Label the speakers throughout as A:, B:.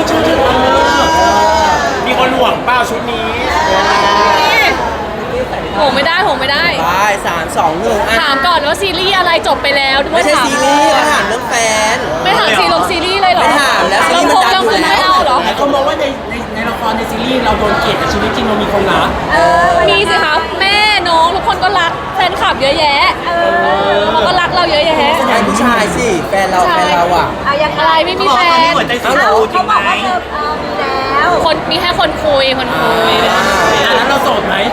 A: ชุดมีคนห่วงเปล่าชุดนี้
B: โหไม่ได้
C: ไป3 2 1
B: ถามก่อนว่าซีรีส์อะไรจบไปแล้ว
C: ไม่ใช่ซีรีส์เขาถามเรื่องแฟน
B: ไม่ถามซีรีส์เลยเหรอ
C: ไม่ถามแล้วซีรีส์มันดังอยู่แล้ว
B: ไม่เอาเหรอ
A: เขามองว่าในละครในซีรีส์เราโดนเกลียดแต่ชีวิตจริงเรามีคนรัก
B: มีสิคะแม่น้องทุกคนก็รักแฟนคลับเยอะแยะเขาก็รักเราเยอะแยะ
C: ใช่ผู้ชายสิแฟนเราอ่ะ
B: อะไรไม่มีแฟน
A: เขาบอกว่าเธอมี
B: แล้วคนมีแค่คนคุย
A: แล้วเราโสดไหม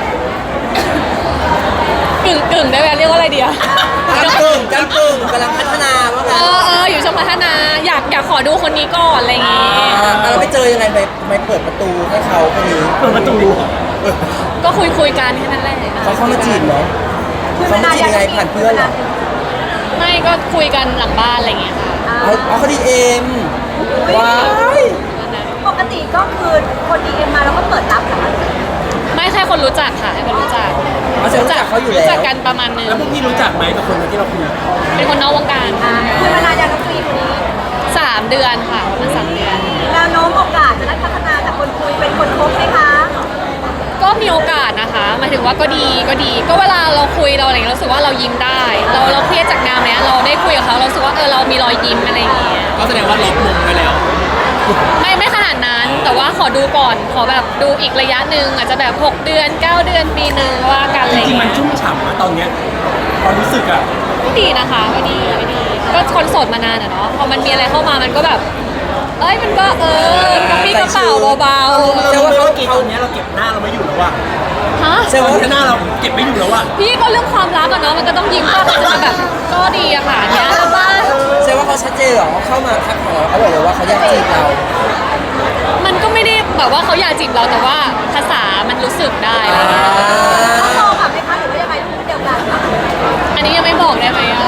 B: กึ่งได้ไหมเรียกว่าอะไรดีอะ
C: กำกึ่งกำลังพัฒนาว่าไง
B: อยู่ช่วงพัฒนาอยากขอดูคนนี้ก่อนอะไรอย่างงี้
C: เราไปเจอยังไงไปเปิดประตูให้เขาคนนี้
A: เปิดประตู
B: ก็คุยกันแค่นั้นแหละ
C: เขาเข้ามาจีบเหรอเขามาจีบยังไงผ่านเพื่อนเหรอ
B: ไม่ก็คุยกันหลังบ้านอะไรอย่างเงี้ยค่ะ
C: เขาดีเอ็มว้าย
D: ปกติก็คือคนดีเอ็มมาแล้วก็เปิดรับเหรอ
B: ไม่แค่คนรู้จักค่ะให้คนรู้จัก
C: เขาอยู่แล้ว
B: รู้จักกันประมาณนึง
A: แล้วพวกพี่รู้จักไหมกับคนที่เราคุย
B: เป็นคนนอกวงการ
D: คุยมานานยังน้องกรีนคนนี้
B: 3 เดือนค่ะมัน3 เดือน
D: แนวโน้มโอกาสจะได้พัฒนาจากคนคุยเป็นคนคบไหมคะ
B: ก็มีโอกาสนะคะหมายถึงว่าก็ดีก็เวลาเราคุยเราอะไรอย่างเงี้ยรู้สึกว่าเรายิ้มได้เราเครียดจากงานเนี้ยเราได้คุยกับเขาเราสึกว่าเรามีรอยยิ้มอะไรอย่างเงี้ย
A: ก็แสดงว่าล็อกมุมไปแล้ว
B: ไม่ขนาดนั้นแต่ว่าขอดูก่อนขอแบบดูอีกระยะหนึ่งอาจจะแบบ6 เดือน9 เดือนปีนึงว่ากันอะไร
A: จริงๆมันชุ่มฉ่ำนะตอนเนี้ยความรู้สึกอะ
B: ก็ดีนะคะก็ดีก็คนโสดมานานอะเนาะพอมันมีอะไรเข้ามามันก็แบบมันก็กระปี้กระเป๋าเบา
A: ๆแต่ว่าเขาตอนนี้เราเก็บหน้าเราไม่อยู่แล้วอะ
B: ฮะ
A: แต่ว่าหน้าเราเก็บไม่อยู่แล้วอะ
B: พี่ก็เรื่องความรักอะเนาะมันก็ต้องยิ้มก็จะมาแบบก็ดีอะค่ะเนี้ยแล้วว่า
C: แสดงว่าเขาชัดเจนเหรอเข้ามาทักของเราเขาบอกเลยว่าเขาอยากจีบเรา
B: มันก็ไม่ได้แบบว่าเขาอยากจีบเราแต่ว่าภาษามันรู้สึกได้อะไรเงี้ย
D: เขาโตกับไหมคะหรือว่ายังไงพูดเดียวกัน
B: อันนี้ยังไม่บอกได้ไหมอะ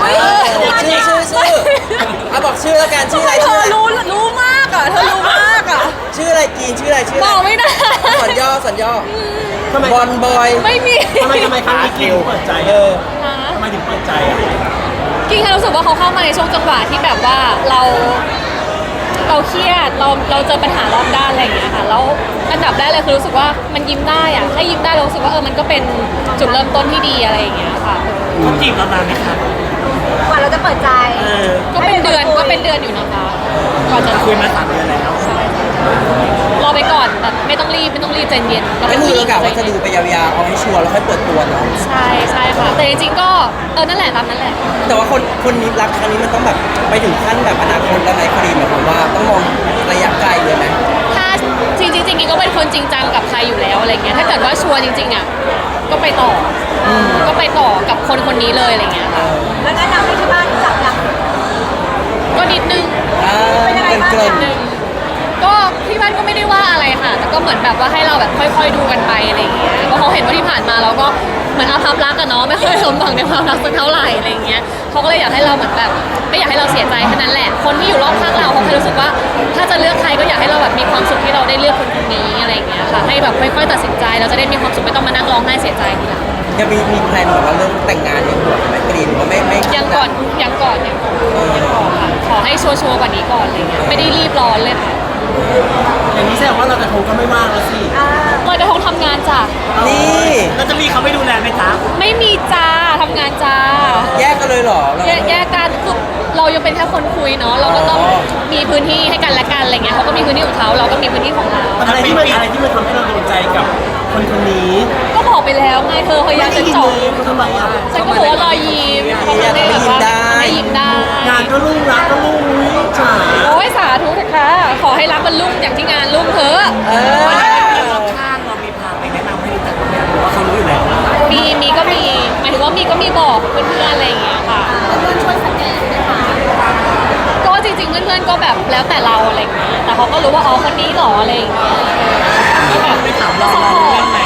C: ชื่อบอกชื่อแล้วกันชื่ออะไร
B: เธอรู้มากอะเธอรู้มากอะ
C: ชื่ออะไรกีนชื่ออะไร
B: บอกไม่ได้
C: สัญย่อบอลบอย
B: ไม่มี
A: ทำไมครั้งนี้กินเปิดใจทำไมถึงเปิดใจ
B: กินแค่รู้สึกว่าเขาเข้ามาในช่วงจังหวะที่แบบว่าเราเครียดเราเจอปัญหารอบด้านอะไรอย่างเงี้ยค่ะแล้วอันดับแรกเลยคือรู้สึกว่ามันยิ้มได้อะถ้ายิ้มได้เรารู้สึกว่ามันก็เป็นจุดเริ่มต้นที่ดีอะไรอย่างเงี้ยค่ะ
A: เขาจีบเรานานไหมคะ
D: กว่าเราจะเปิดใจ
B: ก็เป็นเดือนอยู่นะคะ
A: ก่อนจะคุยมา3 เดือนแล้ว
B: รอไปก่อนแบบไม่ต้องรีบใจเย็น
C: ไม่คือเรากะว่าจะดูไปยาวๆเอาให้ชัวร์แล้วค่อยเปิดตัวเนาะ
B: ใช่ค่ะแต่จริงๆก็นั่นแหละตามนั้นแหละ
C: แต่ว่าคนนี้รักครั้งนี้มันต้องแบบไปถึงขั้นแบบอนาคตแล้วไหมคดีหมายความว่าต้องมองระยะไกลเลยไหม
B: ถ้าจริงๆก็เป็นคนจริงจังกับใครอยู่แล้วอะไรเงี้ยถ้าเกิดว่าชัวร์จริงๆอ่ะก็ไปต่อกับคนนี้เลยอะไรเงี้ยค่ะ
D: แล้วแนะนำให้ที่บ้านจับยัง
B: ก็นิดนึง
D: เป็นยังไงบ้าง
B: ก็ที่บ้านก็ไม่ได้ว่าอะไรค่ะแต่ก็เหมือนแบบว่าให้เราแบบค่อยๆดูกันไปอะไรอย่างเงี้ยเพราะเขาเห็นว่าที่ผ่านมาเราก็เหมือนอาภัพรักกันเนาะไม่ค่อยสมหวังในความรักสักเท่าไหร่อะไรอย่างเงี้ยเขาก็เลยอยากให้เราเหมือนแบบไม่อยากให้เราเสียใจแค่นั้นแหละคนที่อยู่รอบข้างเราเขาแค่รู้สึกว่าถ้าจะเลือกใครก็อยากให้เราแบบมีความสุขที่เราได้เลือกคนนี้อะไรอย่างเงี้ยค่ะให้แบบค่อยๆตัดสินใจเราจะได้มีความสุขไม่ต้องมานั่งร้องไห้เสียใจทีหลัง
C: จะมีแพลนแบบว่าเรื่องแต่งงานในหัวไหมกรีนหรือว่าไม่
B: ยังก่อนค่ะขอให้ชัวร์กว่านี้ก่อนอะไรเงี้ยไม่ได้รีบร้อนเลยค่ะ
A: อย่างนี้แสดงว่าเราจะทงก็ไม่ว่างแล้วสิ
B: ลอยกระทงทำงานจ้ะ
C: นี่
A: เราจะมีเขาไม่ดูแลไหมจ๊ะ
B: ไม่มีจ้าทำงานจ้า
C: แยกกันเลยเหรอ
B: แยกกันคือเรายังเป็นแค่คนคุยเนาะเราก็ต้องมีพื้นที่ให้กันและกันอะไรเงี้ยเขาก็มีพื้นที่ของเขาเราก็มีพื้นที่ของเรา
A: อะไรที่มันทำให้เราโดนใจกับคนนี้
B: ก็บอกไปแล้วไงเธอพยายามจะจบ
A: ทำไมอ่ะ
B: ฉันก็บอกว่ารอยยิ้มเขาไม่ได้แบบว่าไม่ยิ้มได้
A: งานก็รุ่งรักก็รุ่งจ๋า
B: โอ้ยสาธุเถอะค่ะขอให้รักมันรุ่งอย่างที่งานรุ่งเถอะ
A: ข้างเรามีพาไปแนะนำให้รู้จักกันหรือว่าเขารู้อยู่แล้ว
B: มีก็มีหมายถึงว่ามีก็มีบอกเพื่อนๆอะไรอย่างเงี้ยค่ะ
D: เพื่อนช่วยสแกนไหมคะ
B: ก็จริงๆเพื่อนๆก็แบบแล้วแต่เราอะไรอย่างเงี้ยแต่เขาก็รู้ว่าอ๋อคนนี้หรออะไรอย่างเงี้ยก็แบบ
A: ไม่ถามเราเรื่องไหน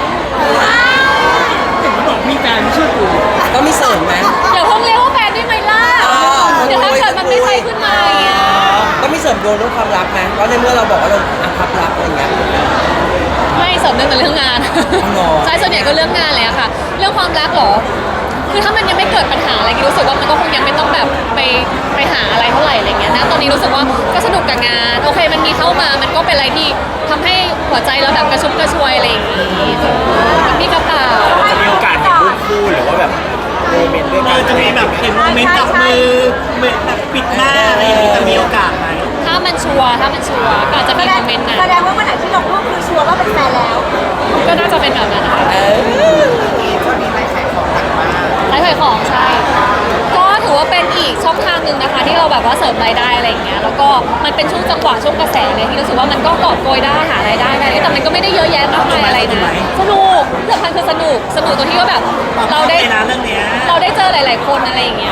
A: เห็นเขาบอกมีแฟนไม่เชื่อกู
C: ก็มีเสริมไหม
B: เดี๋ยวเพิ่งเรียกว่าแฟนได้ไหมล่ะเดี๋ยวถ้าเกิดมันไม่ใช่ขึ้นมา
C: ก็มีเสริมโดนเรื่องความรักไหมเพราะในเมื่อเราบอกว่าเราพับรักอะไรเงี้ย
B: ไม่เสริมเรื่องงานใช่ส่วนใหญ่ก็เรื่องงานเลยอะค่ะเรื่องความรักหรอคือถ้ามันยังไม่เกิดปัญหาอะไรรู้สึกว่ามันก็คงยังไม่ต้องแบบไปหาอะไรเท่าไหร่อะไรเงี้ยนะตอนนี้รู้สึกว่าก็สนุกกับงานโอเคมันมีเข้ามามันมันก็เป็นอะไรที่ทำให้หัวใจเราแบบกระชุ่มกระชวยอะไรอย่างงี้กับพี่กระเป๋า
E: จะมีโอกาสเห็นรูปคู่หรือว่าแบบโมเมนต์ด้วยกัน
A: จะมีแบบเห็นโมเมนต์จับมือแบบปิดหน้าอะไรอย่างนี้จะมีโอกาสไหม
B: ถ้ามันชัวร์ก็อาจจะมีโมเมนต์นั้น
D: แสดงว่าวันไหนที่ลงรูปคือชัวร์ว่าเป็นแฟนแล้ว
B: ก็น่าจะเป็นแบบนั้นนะคะไลฟ์ขายของใช่ ก็ถือว่าเป็นอีกช่องทางหนึ่งนะคะ ที่เราแบบว่าเสริมรายได้อะไรอย่างเงี้ยแล้วก็มันเป็นช่วงจังหวะช่วงกระแสเลยที่รู้สึกว่ามันก็กอบโกยได้หารายได้ได้แต่มันก็ไม่ได้เยอะแยะมากมายอะไรนะสนุกสำคัญคือสนุกตรงที่ว่าแบบเราได้
A: นะเรื่องเนี้ย
B: เราได้เจอหลาย ๆ คนอะไรอย่างเงี้ย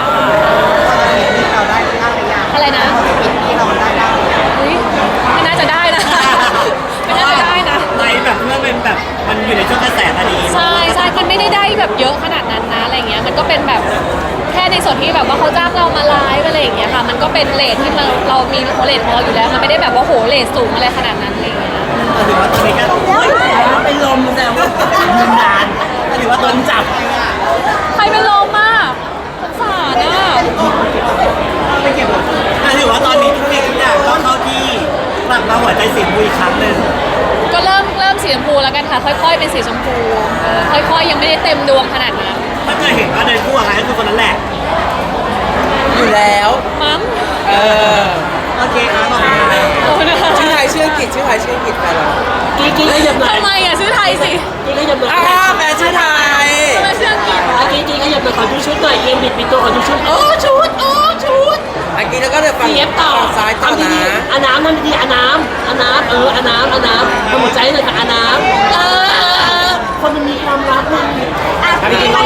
B: อะไรนะอุ๊ยไม่น่าจะได้นะ ไม่น่าจะได้นะ
A: ในแบบเมื่อเป็นแบบมันอยู่ในช่วงกระแสพอดี
B: ใช่มันไม่ได้แบบเยอะขนาดนั้นนะอะไรเงี้ยมันก็เป็นแบบแค่ในส่วนที่แบบว่าเขาจ้างเรามาไลฟ์อะไรอย่างเงี้ยค่ะมันก็เป็นเรทที่เรามีเรทของเราอยู่แล้วมันไม่ได้แบบว่าโหเรทสูงอะไรขนาดนั้นอะไรเงี้ย
A: ถือว่าตอนนี้ก็เป็นลมแซวว่ามันนานถือว่าโดนจับ
B: ใครเป็นลมอ่ะสงสารอ่ะ
A: ถือว่าตอนนี้ทุกอย่างก็เข้าที่กลับมาหัวใจสีบุยครั้งหนึ่ง
B: ก็เริ่มสีชมพูแล้วกันค่ะค่อยๆเป็นสีชมพูค่อยๆยังไม่ได้เต็มดวงขนาดนั้น
A: ถ้าเคยเห็นว่าเดินคู่อะไรก็คือคนนั้นแหละ
C: อยู่แล้ว
B: มั้ง
C: เออ
A: โอเคครับขอบคุณครับ
B: ขอบคุณนะคะ
C: ชื่อไทยชื่ออังกฤษชื่อไทยชื่ออังกฤษแฟนเรา
E: กิ๊กขยับหน่อย
B: ทำไมอ่ะชื่อไทยสิ
E: กิ๊กขยับหน่อย
C: แฟนชื่อไทย
B: ทำไมชื่ออังกฤษ
E: กิ๊กขยับหน่อยขอดูชุดหน่อยเอ็มบิดปิดตัวขอดูชุดชุดชุด
C: อังกฤษแล้วก็เดี๋ยวฝั่ง
E: เอฟต่อ
C: ฝั่งซ้ายต่อ
E: ทำดี
C: นะ
E: ๆอาน้ำทำดีๆอาน้ำทำหัวใจหน่อยค่ะอาน้ำคนมันมีความรักมัน
D: อ่ะ
E: จริงๆ